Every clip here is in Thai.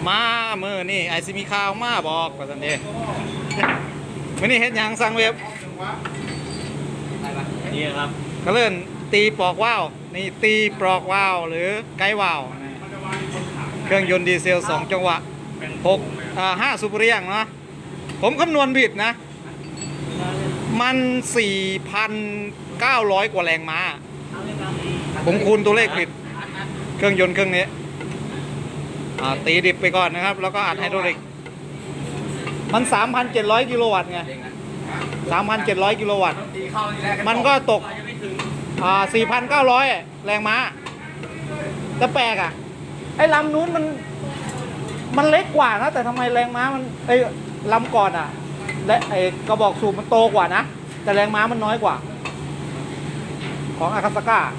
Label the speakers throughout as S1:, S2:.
S1: มามือนี่ไอซิมีข่าวมาบอกว่าสันเดมื่อนี้เห็นยังสั่งเว็บ
S2: นี่ครับ
S1: ก็เลื่อนตีปลอกว่าวนี่ตีปลอกว่าวหรือไกด์ว่าวเครื่องยนต์ดีเซล2จังหวะ5สูบเรียงเนาะผมคำนวณผิดนะมัน 4,900 กว่าแรงม้าผมคูณตัวเลขผิดเครื่องยนต์เครื่องนี้ตีดิบไปก่อนนะครับแล้วก็อัดไฮดรอลิกมัน 3,700 กิโลวัตต์ไง 3,700 กิโลวัตต์มันก็ตก4,900 แรงม้าแต่แปลกอ่ะไอ้ลำนู้นมันเล็กกว่านะแต่ทำไมแรงม้ามันลำก่อนอ่ะและไอ้กระบอกสูบมันโตกว่านะแต่แรงม้ามันน้อยกว่าของอาคาซาก้า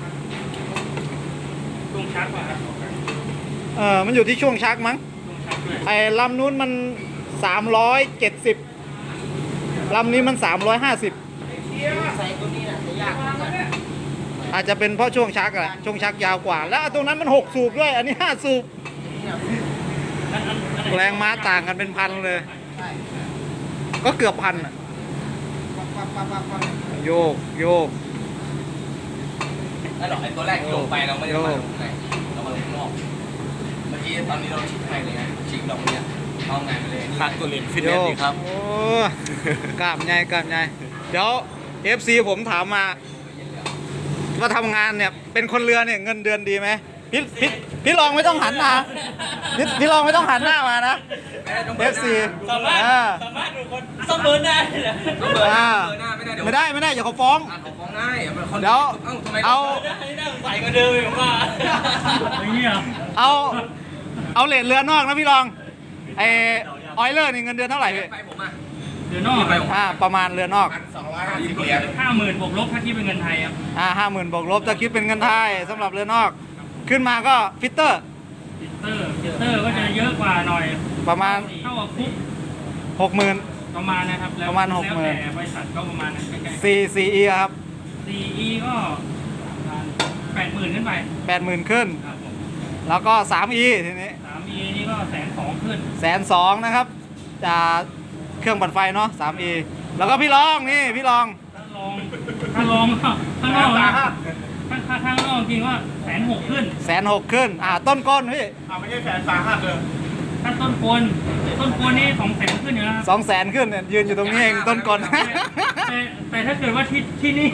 S2: ช่วงชักป่ะครับ
S1: มันอยู่ที่ช่วงชักมั้งไอ้ลำนู้นมัน370ลำนี้มัน350อาจจะเป็นเพราะช่วงชักอะช่วงชักยาวกว่าแล้วตรงนั้นมัน6สูบด้วยอันนี้5สูบแรงม้าต่างกันเป็นพันเลยก็เกือบพันอะโยก
S3: นั่นหรอไอ้ตัวแรกที่ลงไปเราไม่ได้มาลงไหนเรามาลงข้างนอกเมื่อกี้ตอนนี้เราชิงให้เลยไงชิงลงเนี่ยเอาไงไปเลย
S2: พักตัวเล่นฟิตเนสดีครับ
S1: โอ้กล้ามใหญ่เดี๋ยว FC ผมถามมาว่าทำงานเนี่ยเป็นคนเรือเนี่ยเงินเดือนดีไหมพี่ลองไม่ต้องหันหน้าพี่ลองไม่ต้องหันหน้ามานะ FC
S2: สามารถดูคนเสมอได้เหรอ
S1: ไม่ได้อย่าเขาฟ้อง
S3: ได้
S1: เดี๋ยวเอา
S2: ใส่กันเดิมผมว่าอย่างนี้
S1: เอาเลทเรือนอกนะพี่ลองไอออยเลอร์นี่เงินเดือนเท่าไหร่พี่
S3: ไปผมอ่ะ
S2: เรือนอก
S1: ประมาณเรือนอก
S3: 250 เหรียญ
S2: 50,000 บวกลบถ้าคิดเป็นเงินไทยครับ
S1: 50,000 บวกลบถ้าคิดเป็นเงินไทยสำหรับเรือนอกขึ้นมาก็ฟิตเตอร์
S2: ก็จะเยอะกว่าหน่อย
S1: ประมาณ
S2: เท่ากับคุก
S1: 60,000
S2: ประมาณนะครับ
S1: ประมาณ 60,000
S2: แต่บริษัทก็ประมาณนั้น
S1: 4E ครับ
S2: 4E ก็ 80,000 ขึ้นไป
S1: 80,000 ขึ้นแล้วก็ 3E ทีนี้
S2: 3E นี่ก็120,000 ขึ้น
S1: 120,000นะครับเครื่องปั่นไฟเนาะ 3E แล้วก็พี่ลองนี่พี่ลอง
S2: ถ้าลองข้างนอกข้างนอกจริงว่า160,000 ขึ้น
S1: 160,000 ขึ้นต้นก้นพี่
S3: ไม่ใช่130,000เลย
S2: ถ้าต้นกลนี่200,000 ขึ้นอยู่แล้ว
S1: 200,000 ขึ้นเนี่ยยืนอยู่ตรงนี้เองต้นก้น
S2: แต่ถ้าเกิดว่าที่นี่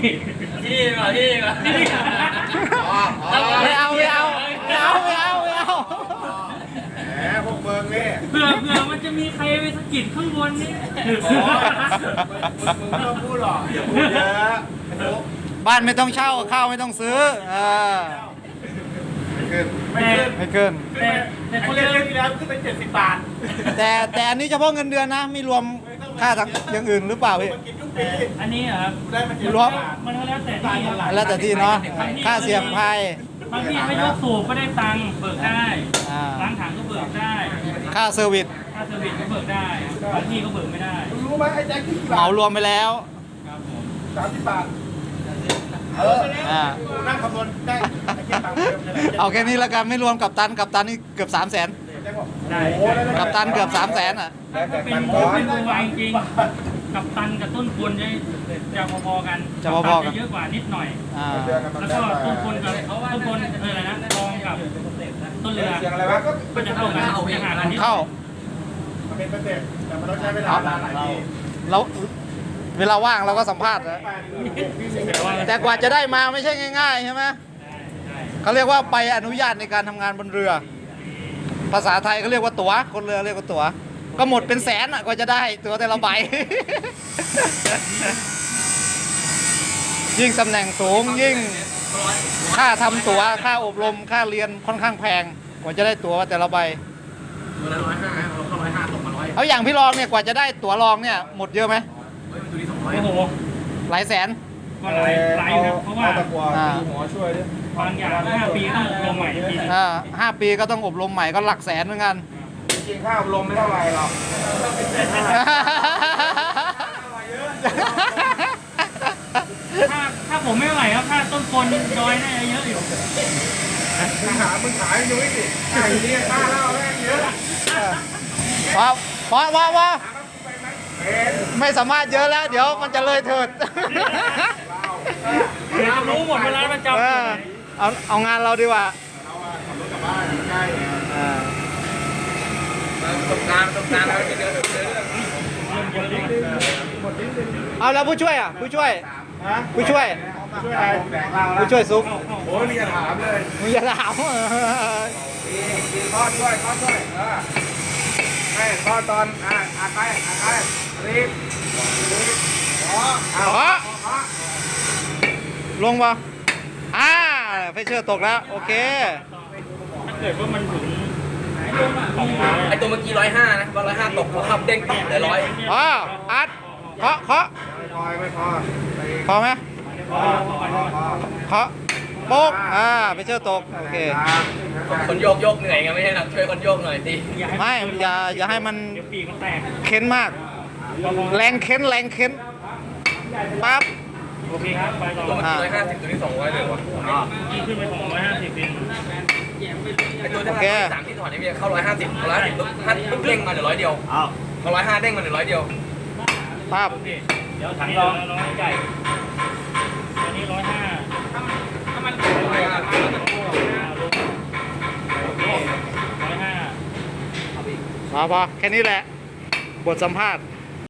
S1: ไม่เอา
S3: แหมพวกเมืองนี่
S2: เผื่อมันจะมีใครไปสะกิดข้างบนนี่
S3: มึงไม่ต้องพูดหรอกอย่าพูดเยอะ
S1: บ้านไม่ต้องเช่าข้าวไม่ต้องซื้อไม่ขึ้น
S2: แต่
S3: เขาเรียกที่แล้วขึ้นเป็น70 บาท
S1: แต่อันนี้เฉพาะเงินเดือนนะไม่รวมค่าอย่างอื่นหรือเปล่าพี่
S2: อันนี้ครับ
S1: รวม
S2: มันแล้ว
S1: แต่ที่เนาะค่าเสี่ยงภัย
S2: บางที่ไม่ยกสูบก็ได้ตังค์เบิกได้ล้างถังก็เบิกได้
S1: ค่าเซอร์วิส
S2: ก็เบิกได้บางที่ก็เบิกไม่ได้
S3: รู้ไหมไอ้แจ็คที่
S1: เหมารวมไปแล้ว
S2: ครับผม
S3: 30 บาทนั่งคำนวณได้
S1: เอาแค่นี้แล้วกันไม่รวมกับตันนี่เกือบ300,000กับตันเกือบ300,000
S2: ถ้าเป็นตัววางจริงกับตันกับต้นควรจะพอๆกันจะเยอะกว่านิดหน่อยแล้วก็ต้นควรอะไรนะรองกับต้นเรือก็จะเท่ากันจะห่างกันนิด
S1: เข้า
S3: เป็นสเต็ปแต่มันต้องใช้เวลาหลายปี
S1: แล้วเวลาว่างเราก็สัมภาษณ์นะแต่กว่าจะได้มาไม่ใช่ง่ายๆใช่ไหมเขาเรียกว่าใบอนุญาตในการทำงานบนเรือภาษาไทยเขาเรียกว่าตั๋วคนเรือเรียกว่าตั๋วก็หมดเป็นแสนกว่าจะได้ตั๋วแต่ละใบยิ่งตำแหน่งสูงยิ่งค่าทำตั๋วค่าอบรมค่าเรียนค่อนข้างแพงกว่าจะได้ตั๋วแต่ละใบ
S3: ตัวละ150เราเข้า150ตกมา100
S1: เอาอย่างพี่รองเนี่ยกว่าจะได้ตั๋วรองเนี่ยหมดเยอะไหม
S2: โอ้โห
S1: หลายแสน
S2: ก็หลายนะเพราะว่า
S3: หมอช่วยด้วย
S2: บางอย่าง5 ปีต้องอบรมใหม่ที
S1: 5 ปีก็ต้องอบรมใหม่ก็หลักแสนเหมือนกัน
S3: จริงค่าอบรมไม่เท่าไรหรอก
S2: ถ้าผมไม่ไหวครับถ้าต้นคนดอยน่าจะเยอะอยู่
S3: มึงขายดูสิไอ้เนี่ยค่าเหล้าแม่งเยอะ
S1: พอไม่สามารถเยอะแล้ว เดี๋ยวมันจะเลยเถิด
S2: เดี๋ยวจะรู้หมดเวลาประจำ
S1: เอางานเราดีกว่าอ่า
S3: ประสบการณ์แล้วจะเดิน
S1: เอาแล้วผู้ช่วยอ่ะผู้ช่วยผู้ช่วยซุป
S4: โอ้ยมีจะถามเลย
S1: มึงอย่าถาม
S4: มีข้อช่วยให้ข้อตอนไปรีบ
S1: ขอลงป่ะไฟเชอร์ตกแล้วโอเค
S2: ถ้าเกิดว่ามันถึง
S3: ไอตัวเมื่อกี้105นะว่า105ตกพอขับเด้งต่ำเหลือ100
S1: อัดเคาะ
S4: ไม่พอ
S1: พอไหมเคาะโป๊กไฟเชอร์ตกโอเค
S3: คนโยกเหนื่อยไงไม่ใช่หนักช่วยคนโยกหน่อยดิ
S1: ไม่อย่าให้มัน
S2: เดี๋ยวปีกมันแตก
S1: เค้นมาก แรงเค้นปั๊บ
S2: โอเคครับไปต่อ
S3: ตัวเมื่อกี้150ตัวนี้200เลยวะ
S2: กี่ขึ้นไปของ150เป็น
S3: ไอตัวที่3ที่ถอดนี่มีเข้า150ปุ๊บเด้งมาเหลือ100เดียวพอ105เด้งมาเหลือ100เดียว
S1: ปั๊บ
S2: โอเคเดี๋ยวถังรองน้อยใหญ่อันนี้105 105
S1: พอแค่นี้แหละ บทสัมภาษณ์